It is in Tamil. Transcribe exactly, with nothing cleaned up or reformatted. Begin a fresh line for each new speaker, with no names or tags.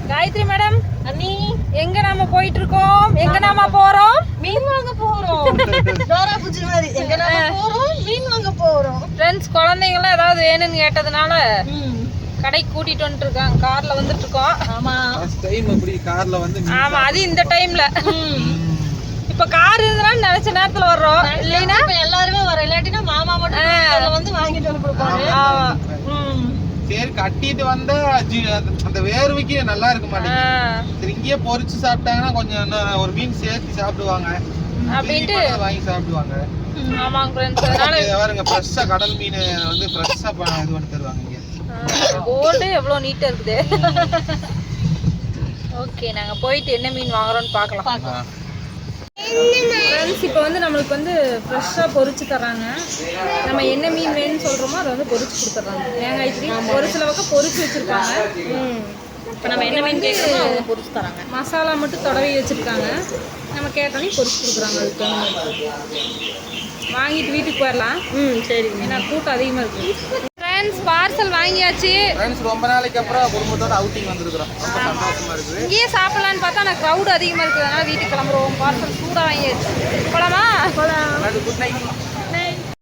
காயத்ரி மேடம்
அண்ணி
எங்க நாம போயிட்டு இருக்கோம்? எங்க நாம போறோம்?
மீன் வாங்க போறோம். டோரா புஜி மாதிரி எங்க நாம போறோம்? மீன் வாங்க போறோம்.
ஃப்ரெண்ட்ஸ் குழந்தைங்க எல்லாம் ஏதாவது வேணும்னு கேட்டதுனால கடைக்கு கூட்டிட்டு வந்துட்டு இருக்காங்க. கார்ல வந்துட்டு இருக்கோம்.
ஆமா
ஃபர்ஸ்ட் டைம் அப்படி கார்ல வந்து
ஆமா அது இந்த டைம்ல. இப்ப கார் இருந்தனால நினைச்ச நேரத்துல வர்றோம். இல்லைன்னா
இப்ப எல்லாருமே வர இல்லாட்டினா மாமா மட்டும் வந்து வாங்கிட்டு வந்து கொடுப்பாங்க.
ஆமா
சரி கட்டிட்டு வந்தா அந்த வேர்வைக்கு நல்லா இருக்க மாட்டேங்குது. இங்கேயே பொரிச்சு சாப்பிட்டாங்கன்னா கொஞ்சம் ஒரு மீன் சேர்த்து சாப்பிடுவாங்க
அப்படின்ட்டு
வாங்கி சாப்பிடுவாங்க.
ஆமாங்க ஃப்ரெண்ட்ஸ் அதனால
பாருங்க ஃப்ரெஷ்ஷா கடல் மீன் வந்து ஃப்ரெஷ்ஷா இது பண்ணி தருவாங்க இங்க.
போர்டு எவ்வளவு நீட்டா இருக்குது. ஓகே நாங்க போயிட்டு என்ன மீன் வாங்குறோம்னு பார்க்கலாம். ஃப்ரெண்ட்ஸ் இப்போ வந்து நம்மளுக்கு வந்து ஃப்ரெஷ்ஷாக பொரிச்சு தர்றாங்க. நம்ம என்ன மீன் வேணும்னு சொல்கிறோமோ அதை வந்து பொரிச்சு கொடுத்துட்றாங்க. தேங்காய் இட்லி ஒரு சில பக்கம் பொரிச்சு வச்சுருப்பாங்க.
இப்போ நம்ம என்ன மீன் கேட்குறோமோ அவங்க பொரிச்சு தராங்க.
மசாலா மட்டும் தடவி வச்சுருக்காங்க. நம்ம கேட்டோன்னே பொரிச்சு கொடுக்குறாங்க. அதுக்கு வாங்கிட்டு வீட்டுக்கு போயிடலாம்.
ம் சரி
ஏன்னா கூட்டம் அதிகமாக இருக்குது. ஃப்ரெண்ட்ஸ் பார்சல் வாங்கியாச்சு.
ஃப்ரெண்ட்ஸ் ரொம்ப நாளைக்கு அப்புறம் குடும்பத்தோட அவுட்டிங் வந்திருக்கிறோம். ரொம்ப சந்தோஷமா இருக்குது.
இங்கேயே சாப்பிடலான்னு பார்த்தா நான் க்ரௌட் அதிகமாக இருக்குது. அதனால் வீட்டுக்கு கிளம்புறோம். பார்சல் சூடாக வாங்கியாச்சு. போலாமா?
Good night.